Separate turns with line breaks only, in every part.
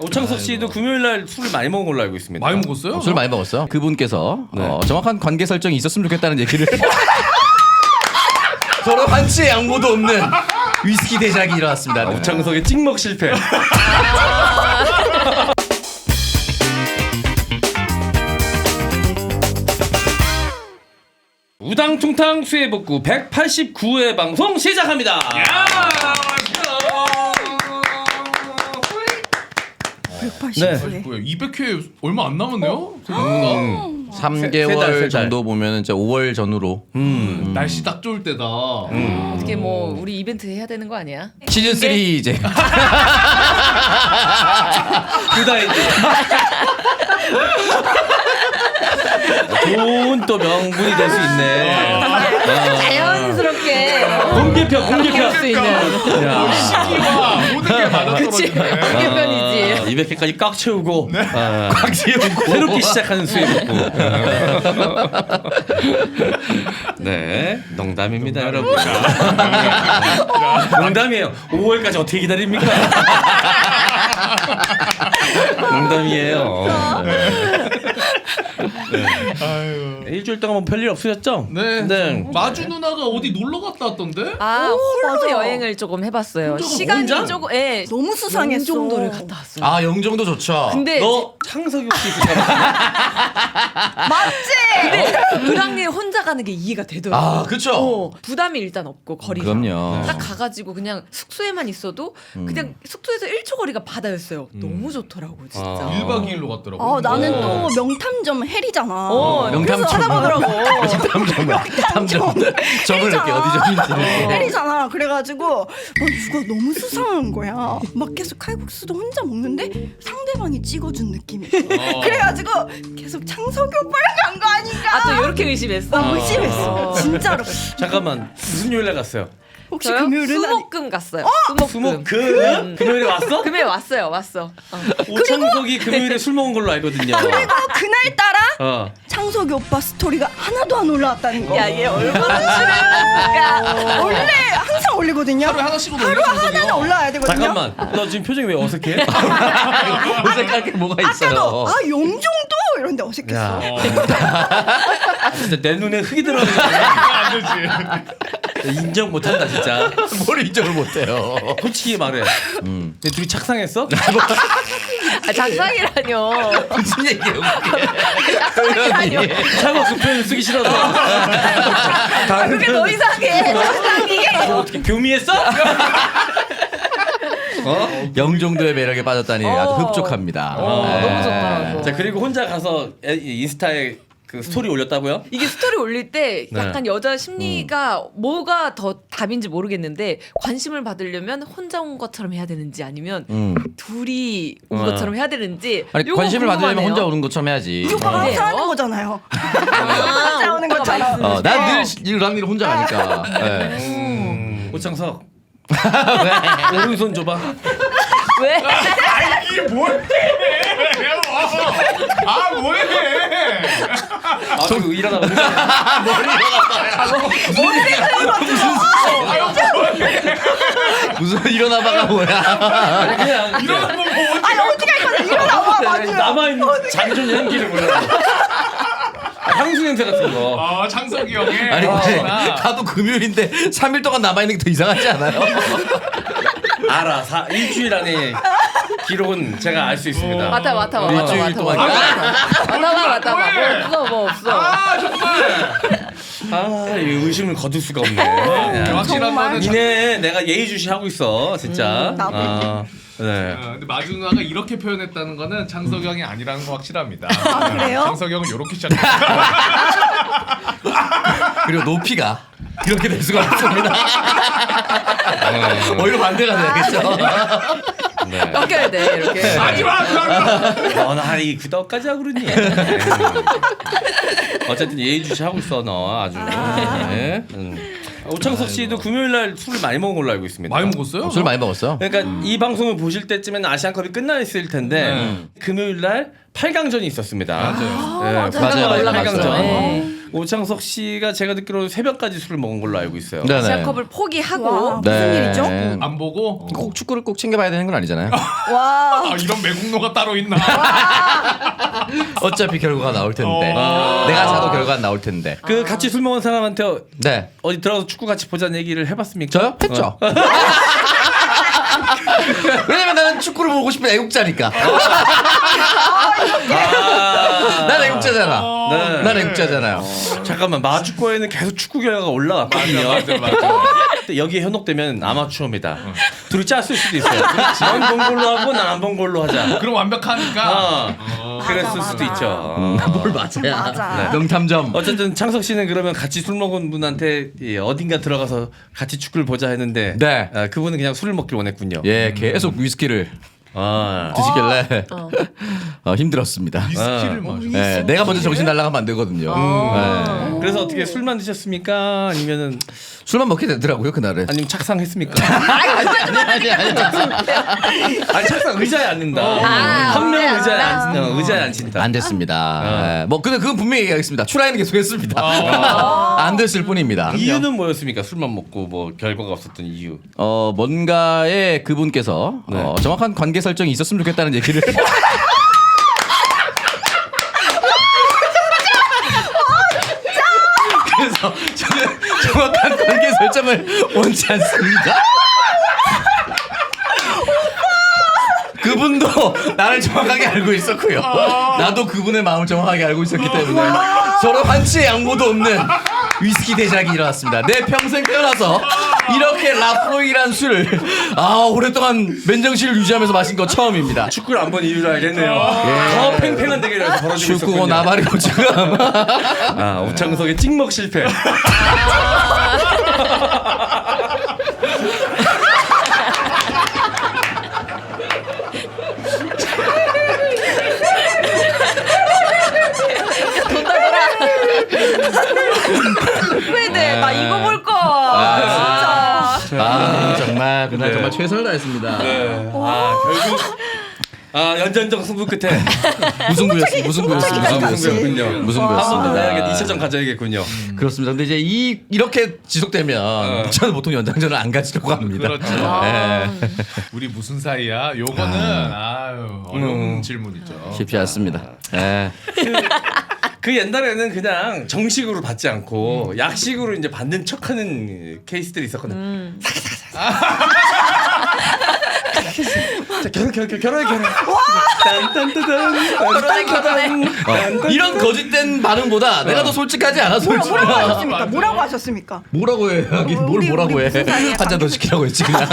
오창석 씨도 금요일 날 술을 많이 먹은 걸로 알고 있습니다.
많이 먹었어요?
술 많이 먹었어요. 그분께서 정확한 관계 설정이 있었으면 좋겠다는 얘기를 서로 한치의 양보도 없는 위스키 대작이 일어났습니다. 네.
오창석의 찍먹 실패. 우당퉁탕 수해복구 189회 방송 시작합니다. 네.
200회 얼마 안 남았네요. 생각보다.
3개월 정도 보면 이제 5월 전후로
날씨 딱 좋을 때다.
어떻게 뭐 우리 이벤트 해야 되는 거 아니야?
시즌 3 이제
그다이지. 좋은 또 명분이 될 수 있네.
자연스럽게
공개편.
할 수 있는
시기와 모든 게
그치
맞아떨어지네.
공개편이지.
200회까지 꽉 채우고 꽉 채우고 새롭게 시작하는 수해복구. 네, 농담입니다, 여러분. 농담이에요. 5월까지 어떻게 기다립니까? 농담이에요. 네. 일주일 동안 뭐 별일 없으셨죠?
네. 마주 누나가 어디 놀러 갔다 왔던데?
홀로
맞아.
여행을 조금 해봤어요.
혼자?
시간이
혼자?
조금
너무 수상했어.
정도를 갔다 왔어요.
아 영종도 좋죠.
근데
너 창석이 혹시 있을까?
맞지?
그랑님 혼자 가는 게 이해가 되더라고.
아 그쵸.
부담이 일단 없고 거리가.
그럼요.
딱 가가지고 그냥 숙소에만 있어도 그냥 숙소에서 1초 거리가 바다였어요. 너무 좋더라고 진짜.
1박 2일로 갔더라고.
나는 또 명탐정 해리잖아.
명탐정.
그래서 찾아보더라고.
탐정. 적을게 어디 점인지를.
해리잖아. 그래가지고 누가 너무 수상한 거야. 막 계속 칼국수도 혼자 먹는데 상대방이 찍어준 느낌이. 그래가지고 계속 창석이 오빠랑 간 거 아닌가?
아 또 이렇게 의심했어?
의심했어. 진짜로.
잠깐만, 무슨 요일날 갔어요?
혹시
저요?
금요일은
수목금 갔어요. 수목금.
금요일에 왔어?
금요일 왔어.
오창석이 금요일에 술 먹은 걸로 알거든요.
그리고 그날따라
어.
창석이 오빠 스토리가 하나도 안 올라왔다는 거.
야얘 얼마나 출연했을까?
원래 항상 올리거든요.
하루에 하나씩은
하루
올려주세요.
하나는 올라와야 되거든요.
잠깐만, 너 지금 표정이 왜 어색해?
어색할 게 뭐가 있어요.
아까도 용종도 이런데 어색했어.
진짜 내 눈에 흙이 들어가는
안 되지.
인정 못한다 진짜.
뭘 인정을 못해요.
솔직히 말해. 근데 둘이 착상했어?
아, 작상이라뇨.
무슨 얘기예요?
작상이라뇨.
창업 그 표현을 쓰기 싫어서.
그게 너 이상해. 작상이.
어떻게 교미했어?
영종도의 매력에 빠졌다니 아주 흡족합니다.
너무 좋더라고.
자, 그리고 혼자 가서 인스타에 그 스토리 올렸다고요?
이게 스토리 올릴 때 약간 여자 심리가 뭐가 더 답인지 모르겠는데 관심을 받으려면 혼자 온 것처럼 해야 되는지 아니면 둘이 온 것처럼 해야 되는지
아니
요거
관심을 받으려면
궁금하네요.
혼자 오는 것처럼 해야지.
이 오빠가 항상 하는
그래요?
거잖아요.
아,
혼자 오는
오빠가
것처럼.
말씀을
난 늘 랑니를 혼자 가니까. 네.
오창석. 오른손 줘봐.
왜?
이게 뭐해? 아 뭐해?
아, 저기 일어나고.
무슨 일어나봐가 뭐야?
그냥
이러면 뭐
아니 어떻게 할 거야? 일어나봐. 맞아.
남아있는 잔존 향기를 몰라. 향수 냄새 같은 거.
아 창석이 형의.
아니 근데 가도 금요일인데 3일 동안 남아있는 게 더 이상하지 않아요?
알아. 일주일 안에 기록은 제가 알 수 있습니다.
맡아.
일주일 동안.
뭐 없어.
아 정말.
아, 이 의심을 거둘 수가 없네.
확실한 거는
니네 내가 예의주시 하고 있어, 진짜.
나도.
아, 네.
근데 마주 누나가 이렇게 표현했다는 거는 창석이 형이 아니라는 거 확실합니다.
그래요?
창석이 형은 이렇게 시작했어요.
그리고 높이가 이렇게 될 수가 없습니다. 오히려 반대가 되겠죠.
꺾여야 돼 이렇게.
하지마 누나.
나이 구덕까지 하고 그러니. 어쨌든 예의주시 하고 있어, 너 아주. 네. 오창석 씨도 금요일 날 술을 많이 먹은 걸로 알고 있습니다.
많이 먹었어요?
술 많이 먹었어요?
그러니까 이 방송을 보실 때쯤에는 아시안컵이 끝나 있을 텐데 금요일 날 8강전이 있었습니다.
맞아요.
네,
맞아요.
올라갔죠.
올라갔어요.
네.
오창석 씨가 제가 듣기로는 새벽까지 술을 먹은 걸로 알고 있어요.
네네.
아시아컵을 포기하고
와, 무슨 일이죠?
안 보고
꼭 축구를 꼭 챙겨봐야 되는 건 아니잖아요.
와.
아 이런 매국노가 따로 있나?
어차피 결과가 나올 텐데.
어.
내가 자도 결과가 나올 텐데.
그 같이 술 먹은 사람한테
네.
어디 들어가서 축구 같이 보자는 얘기를 해봤습니까?
저요? 했죠. 왜냐면 나는 축구를 보고 싶은 애국자니까. 난 애국자잖아.
네.
난 애국자잖아요.
잠깐만 마주코에는 계속 축구 결과가 올라왔거든요.
맞아.
근데 여기에 현혹되면 아마추어입니다. 둘이 짰을 수도 있어요. 넌 본 걸로 하고 난 안 본 걸로 하자.
그럼 완벽하니까.
그랬을
맞아,
수도
맞아.
있죠.
뭘 맞아야.
맞아.
명탐정.
어쨌든 창석 씨는 그러면 같이 술 먹은 분한테 어딘가 들어가서 같이 축구를 보자 했는데
네.
그분은 그냥 술을 먹길 원했군요.
예, 계속 위스키를
아,
드시길래 힘들었습니다.
위스키를 마셔.
예, 내가 먼저 정신 날라가면 안 되거든요. 예.
그래서 어떻게 술만 드셨습니까? 아니면은
술만 먹게 되더라고요 그날은.
아니면 착상했습니까?
아니.
아니 착상 의자에 앉는다. 한 명은 의자에 앉힌다.
안 됐습니다. 예, 뭐 근데 그건 분명히 얘기하겠습니다. 추라이는 계속했습니다. 안 됐을 뿐입니다.
이유는 뭐였습니까? 술만 먹고 뭐 결과가 없었던 이유.
뭔가에 그분께서
네.
정확한 관계 설정이 있었으면 좋겠다는 얘기를. 그래서 저는 정확한 관계 설정을 원치 않습니다. 그분도 나를 정확하게 알고 있었고요. 나도 그분의 마음을 정확하게 알고 있었기 때문에 서로 한치의 양보도 없는 위스키 대작이 일어났습니다. 내 평생 태어나서 이렇게 라프로이란 술을 오랫동안 맨정신을 유지하면서 마신 거 처음입니다.
축구를 안 본 이유를 알겠네요. 더 팽팽한 대결에서 벌어지고
축구고
있었군요.
나발이고 지금.
오창석의 찍먹 실패.
후회돼. 나 이거 볼 거.
정말 그날
네.
정말 최선을 다했습니다.
결국 연전적 승부 끝에
무승부였습니다.
무승부였군요.
무승부였습니다.
한 번 더 해야겠 2차전 가져야겠군요.
그렇습니다. 근데 이제 이렇게 지속되면 저는 보통 연장전을 안 가지려고 합니다.
그렇죠.
네.
우리 무슨 사이야? 요거는 어려운 질문이죠.
쉽지 않습니다. 네.
그 옛날에는 그냥 정식으로 받지 않고 약식으로 이제 받는 척하는 케이스들이 있었거든요. 자, 결혼해. 딴딴딴딴.
이런 거짓된 반응보다 내가 더 솔직하지 않아 솔직히.
뭐라고 하셨습니까? 뭐라고 하셨습니까?
뭐라고 해? 하긴 뭘
우리
뭐라고 해?
무슨 사이야?
한 잔 더 시키라고 했지 그냥.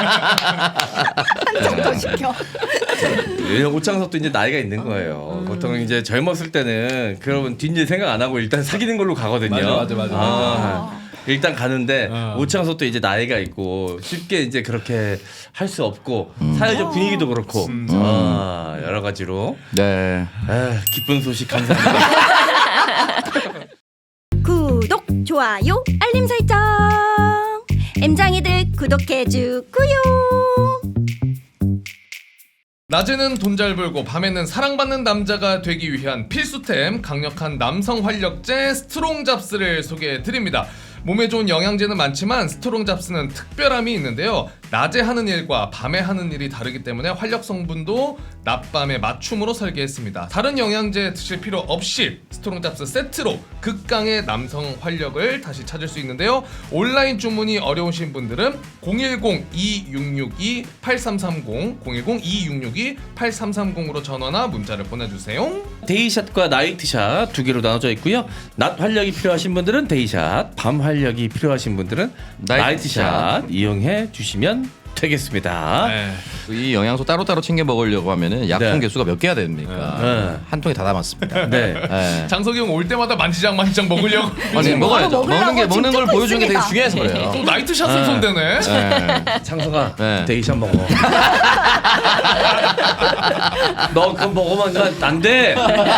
한정 더 시켜.
오창석도 이제 나이가 있는 거예요. 보통 이제 젊었을 때는 그러면 뒷일 생각 안 하고 일단 사귀는 걸로 가거든요.
맞아.
일단 가는데 오창석도 이제 나이가 있고 쉽게 이제 그렇게 할 수 없고 사회적 분위기도 그렇고 여러 가지로
네.
기쁜 소식 감사합니다.
구독, 좋아요, 알림 설정. 엠장이들 구독해주고요.
낮에는 돈 잘 벌고 밤에는 사랑받는 남자가 되기 위한 필수템 강력한 남성 활력제 스트롱 잡스를 소개해드립니다. 몸에 좋은 영양제는 많지만 스트롱 잡스는 특별함이 있는데요. 낮에 하는 일과 밤에 하는 일이 다르기 때문에 활력 성분도 낮밤에 맞춤으로 설계했습니다. 다른 영양제 드실 필요 없이 스트롱 잡스 세트로 극강의 남성 활력을 다시 찾을 수 있는데요. 온라인 주문이 어려우신 분들은 010-2662-8330 010-2662-8330으로 전화나 문자를 보내주세요.
데이샷과 나이트샷 두 개로 나눠져 있고요. 낮 활력이 필요하신 분들은 데이샷, 밤 활력이 필요하신 분들은 나이트샷 이용해 주시면 되겠습니다.
이 영양소 따로따로 챙겨 먹으려고 하면은 약통
네.
개수가 몇 개가 됩니까? 한 통에 다 담았습니다.
네.
네.
장석이 형 올 때마다 만지작 먹으려고.
아니 먹어야죠.
먹으려고
먹는 걸
지금
보여주는 게 되게
찍고
중요해서 그래요.
또 나이트샷을 손대네.
네.
창석아,
네.
데이샷 먹어. 너 그거 먹으면 안 돼.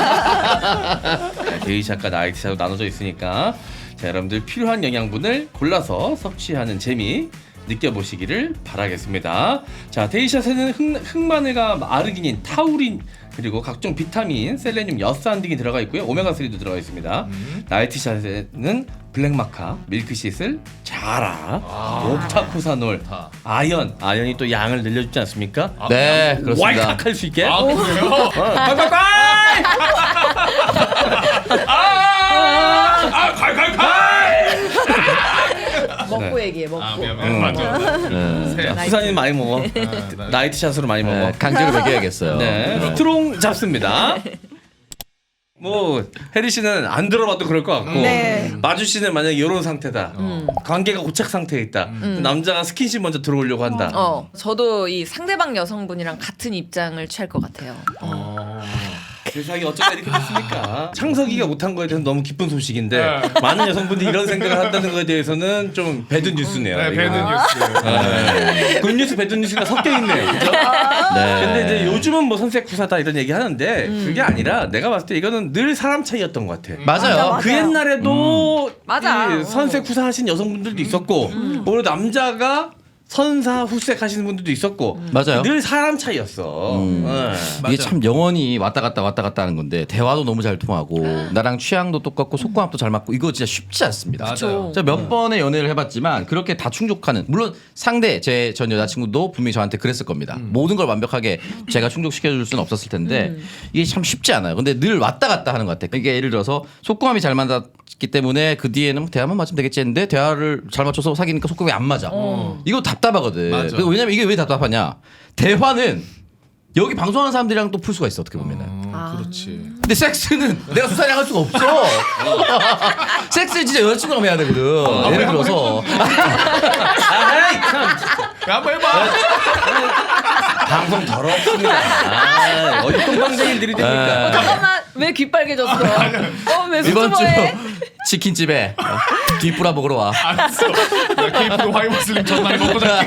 데이샷과 나이트샷으로 나눠져 있으니까 자, 여러분들 필요한 영양분을 골라서 섭취하는 재미 느껴보시기를 바라겠습니다. 자, 데이샷에는 흑마늘과 아르기닌, 타우린 그리고 각종 비타민, 셀레늄, 여산 등이 들어가 있고요. 오메가3도 들어가 있습니다. 나이트샷에는 블랙마카, 밀크시슬, 자라, 옥타코사놀, 아연이 또 양을 늘려주지 않습니까?
네, 그렇습니다.
왈칵 할 수 있게.
아 그래요?
콸콸콸!
먹고
네.
얘기해 먹고.
미안 맞아.
부산인 많이 먹어. 나이트샷으로 많이 먹어.
강제로 먹여야겠어요.
네, 스트롱 잡습니다. 뭐 혜리 씨는 안 들어봐도 그럴 것 같고
네.
마주 씨는 만약 이런 상태다. 관계가 고착 상태에 있다. 남자가 스킨십 먼저 들어오려고 한다.
저도 이 상대방 여성분이랑 같은 입장을 취할 것 같아요.
세상이 어쩌다 이렇게 됐습니까? 창석이가 못한 거에 대해서 너무 기쁜 소식인데 많은 여성분들이 이런 생각을 한다는 거에 대해서는 좀 배드 뉴스네요.
네, 배드
이거는.
뉴스.
굿뉴스 배드 뉴스가 섞여 있네요. 그죠? 근데 이제 요즘은 뭐 선색 구사다 이런 얘기 하는데 그게 아니라 내가 봤을 때 이거는 늘 사람 차이였던 것 같아.
맞아요.
맞아.
그 옛날에도
맞아.
이 선색 구사하신 여성분들도 있었고 오히려 남자가 선사 후색 하시는 분들도 있었고
맞아요.
늘 사람 차이였어. 네.
이게 참 영원히 왔다 갔다 하는 건데 대화도 너무 잘 통하고 나랑 취향도 똑같고 속궁합도 잘 맞고 이거 진짜 쉽지 않습니다.
맞아요.
제가 몇 번의 연애를 해봤지만 그렇게 다 충족하는 물론 상대 제 전 여자친구도 분명히 저한테 그랬을 겁니다. 모든 걸 완벽하게 제가 충족시켜줄 수는 없었을 텐데 이게 참 쉽지 않아요. 근데 늘 왔다 갔다 하는 것 같아요. 이게 예를 들어서 속궁합이 잘 맞았기 때문에 그 뒤에는 대화만 맞으면 되겠지 했는데 대화를 잘 맞춰서 사귀니까 속궁합이 안 맞아. 이거 답답하거든.
맞아.
왜냐면 이게 왜 답답하냐? 대화는 여기 방송하는 사람들이랑 또 풀 수가 있어 어떻게 보면은.
그렇지.
근데 섹스는 내가 수사랑 할 수가 없어. 섹스는 진짜 여자친구랑 해야 되거든. 예를 들어서
아이 참
야, 한번 해봐.
방송 더럽습니다. 어디 똥방쟁이들이 됩니까?
잠깐만 왜 귀 빨개졌어? 왜
이번 주
수줍어해?
치킨집에 뒷부라 먹으러 와.
알았어. 나 케이프도 화이트슬림 전날 먹고 잘게.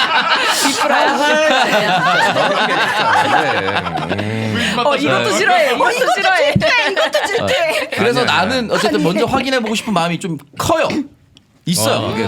이것도 싫어해. 이것도 싫어해.
이것도 질투해.
그래서
아니야,
나는 어쨌든 먼저 확인해 보고 싶은 마음이 좀 커요. 있어요. 그게.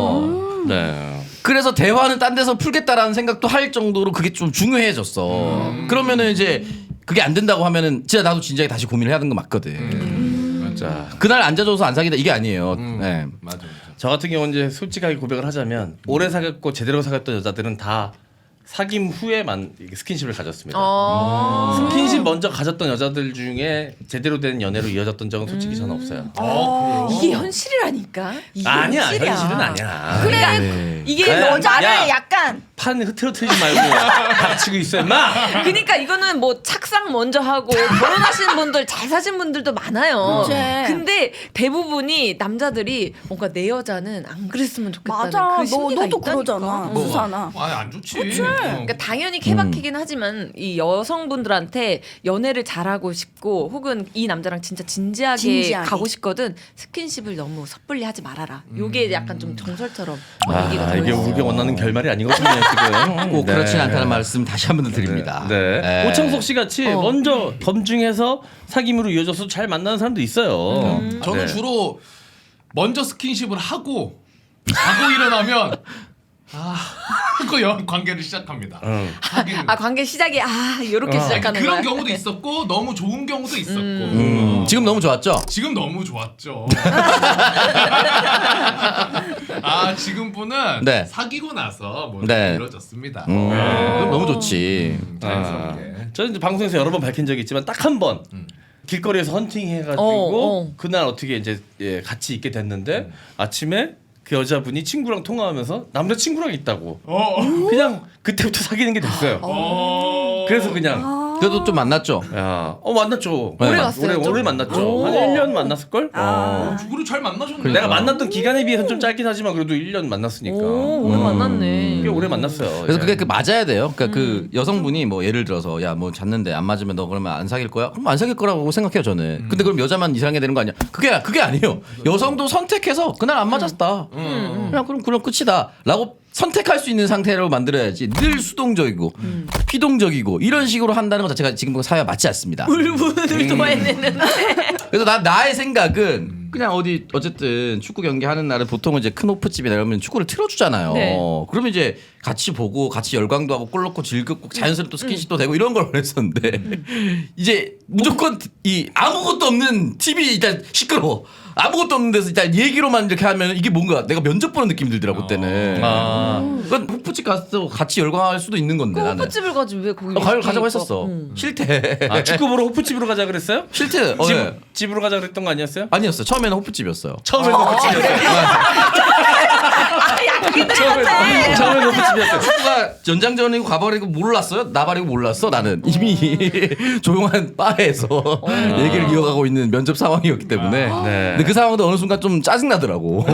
그래서 대화는 딴 데서 풀겠다라는 생각도 할 정도로 그게 좀 중요해졌어. 그러면은 이제 그게 안 된다고 하면은 진짜 나도 진작에 다시 고민을 해야 되는 거 맞거든.
자,
그날 앉아줘서 안 사귀다 이게 아니에요. 네.
맞아.
저 같은 경우는 이제 솔직하게 고백을 하자면 오래 사귀었고 제대로 사귀었던 여자들은 다 사귐 후에만 스킨십을 가졌습니다. 스킨십 먼저 가졌던 여자들 중에 제대로 된 연애로 이어졌던 적은 솔직히 저는 없어요.
이게 현실이라니까. 이게
아니야,
현실이야.
현실은 아니야.
그래. 이게
그래,
여자를
야.
약간
판 흐트러뜨리지 말고 닥치고 있어, 임마.
그러니까 이거는 뭐 착상 먼저 하고 결혼하신 분들 잘 사신 분들도 많아요.
그치.
근데 대부분이 남자들이 뭔가 내 여자는 안 그랬으면 좋겠다는
맞아.
그 심리가
너도
있다니까.
그러잖아. 수사나.
아니 안 좋지.
그러니까 당연히 케바케긴 하지만 이 여성분들한테 연애를 잘하고 싶고 혹은 이 남자랑 진짜 진지하게 가고 싶거든 스킨십을 너무 섣불리 하지 말아라. 요게 약간 좀 정설처럼 얘기가
이게
들어있어요.
우리가 원하는 결말이 아니거든요, 지금.
꼭 그렇진 않다는 말씀 다시 한 번 더 드립니다.
네. 오창석 씨 같이 먼저 검증해서 사귐으로 이어져서 잘 만나는 사람도 있어요.
저는
네.
주로 먼저 스킨십을 하고 자고 일어나면 그 관계를 시작합니다. 사귀는 거.
관계 시작이 이렇게 시작하는
그런
거야.
경우도 있었고 너무 좋은 경우도 있었고
지금 너무 좋았죠?
지금 너무 좋았죠. 지금 분은
네.
사귀고 나서 뭐
네.
이루어졌습니다.
그럼 너무 좋지.
자연스럽게.
저는 이제 방송에서 여러 번 밝힌 적이 있지만 딱 한 번 길거리에서 헌팅 해가지고 그날 어떻게 이제 같이 있게 됐는데 아침에 그 여자분이 친구랑 통화하면서 남자 친구랑 있다고 그냥 그때부터 사귀는 게 됐어요. 그래서 그냥
그래도 좀 만났죠?
만났죠.
오래
갔어요, 좀?
오래 만났죠. 한 1년 만났을걸?
누구를 잘 만나셨네.
그러니까.
내가 만났던 기간에 비해서는 좀 짧긴 하지만 그래도 1년 만났으니까
오래 만났네.
꽤 오래 만났어요.
그래서
예.
그게 맞아야 돼요. 그러니까 그 여성분이 뭐 예를 들어서 야 뭐 잤는데 안 맞으면 너 그러면 안 사귈 거야? 그럼 안 사귈 거라고 생각해요 저는. 근데 그럼 여자만 이상하게 되는 거 아니야? 그게 아니에요. 여성도 선택해서 그날 안 맞았다. 그냥 그럼 끝이다라고 선택할 수 있는 상태로 만들어야지. 늘 수동적이고 피동적이고 이런 식으로 한다는 것 자체가 지금 사회와 맞지 않습니다.
울분을 도해내는.
그래서 나의 생각은 그냥 어디 어쨌든 축구 경기 하는 날은 보통은 이제 큰 호프집이나 이러면 축구를 틀어주잖아요.
네.
그러면 이제 같이 보고 같이 열광도 하고 골 넣고 즐겁고 자연스럽게 또 스킨십도 되고 이런 걸 원했었는데 이제 무조건 이 아무것도 없는 TV 일단 시끄러워. 아무것도 없는 데서 일단 얘기로만 이렇게 하면 이게 뭔가 내가 면접 보는 느낌이 들더라고 그때는. 그건 호프집 가서 같이 열광할 수도 있는 건데
그
나는.
호프집을 가지 왜 거기
가자고 했었어. 싫대.
아, 축구 보러 호프집으로 가자 그랬어요?
싫대. 네.
집으로 가자 그랬던 거 아니었어요?
아니었어요. 처음에는 호프집이었어요.
처음엔 호프집이었어요. 처음엔 호프집이었어요.
축구가 연장전이고 가버리고 몰랐어요. 나발이고 몰랐어. 나는 이미 조용한 바에서 얘기를 이어가고 있는 면접 상황이었기 때문에.
네.
근데 그 상황도 어느 순간 좀 짜증 나더라고.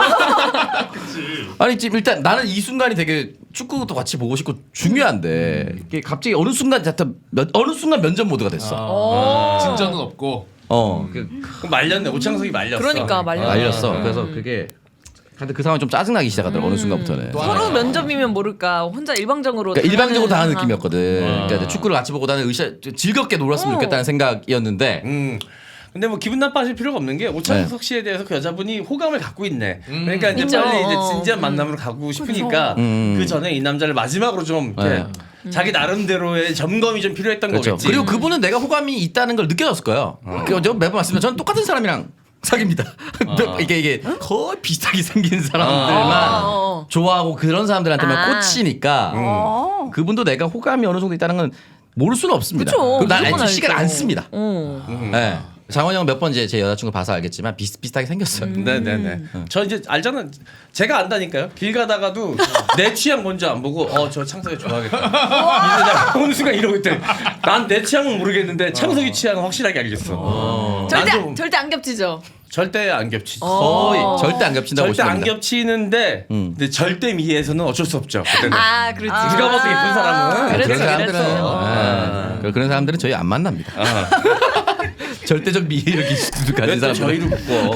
아니 지금 일단 나는 이 순간이 되게 축구도 같이 보고 싶고 중요한데 이게 갑자기 어느 순간 면접 모드가 됐어.
진전은 없고.
그럼 말렸네. 오창석이 말렸어.
그러니까
알렸어. 그래서 그게 근데 그 상황이 좀 짜증나기 시작하더라고 어느 순간부터는.
서로 면접이면 모를까 혼자 일방적으로
그러니까 일방적으로 당하는
상황.
느낌이었거든. 그러니까 이제 축구를 같이 보고 나는 즐겁게 놀았으면 좋겠다는 생각이었는데
근데 뭐 기분 나빠하실 필요가 없는 게 오창석 씨에 대해서 그 여자분이 호감을 갖고 있네. 그러니까 이제
있죠.
빨리 이제 진지한 만남으로 가고 싶으니까 그 전에 이 남자를 마지막으로 좀 이렇게 자기 나름대로의 점검이 좀 필요했던
그렇죠.
거겠지.
그리고 그분은 내가 호감이 있다는 걸 느껴졌을 거예요. 제가 매번 말씀드리면 저는 똑같은 사람이랑 사깁니다. 이게 거의 비슷하게 생긴 사람들만 좋아하고 그런 사람들한테만 꽂히니까 그분도 내가 호감이 어느 정도 있다는 건 모를 수는 없습니다.
그쵸.
그럼 난
무조건
시간 안
알죠.
씁니다. 네. 장원이 형 몇 번 이제 제 여자친구 봐서 알겠지만 비슷비슷하게 생겼어요.
네네네. 저 이제 알잖아. 제가 안다니까요. 길 가다가도 내 취향 먼저 안 보고 저 창석이 좋아하겠다. 이제 내가 어느 순간 이러고 있대. 난 내 취향은 모르겠는데 창석이 취향은 확실하게 알겠어.
절대 안 겹치죠.
절대 안 겹치지.
거의 절대 안 겹친다고
절대
보시면
안
됩니다.
겹치는데 근데 절대 미에서는 어쩔 수 없죠. 그때는.
그렇지.
네가 봐도 예쁜 사람은
그랬어,
그런 사람들은
그랬어.
그런 사람들은 저희 안 만납니다. 절대적 미를 가진
왜 또
사람들
저희를 묶어?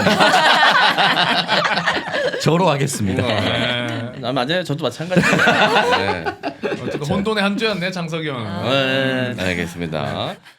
저로 하겠습니다.
맞아요. 저도 마찬가지예요. 네.
어쨌든 혼돈의 한 주였네 장석이 형은.
네, 알겠습니다.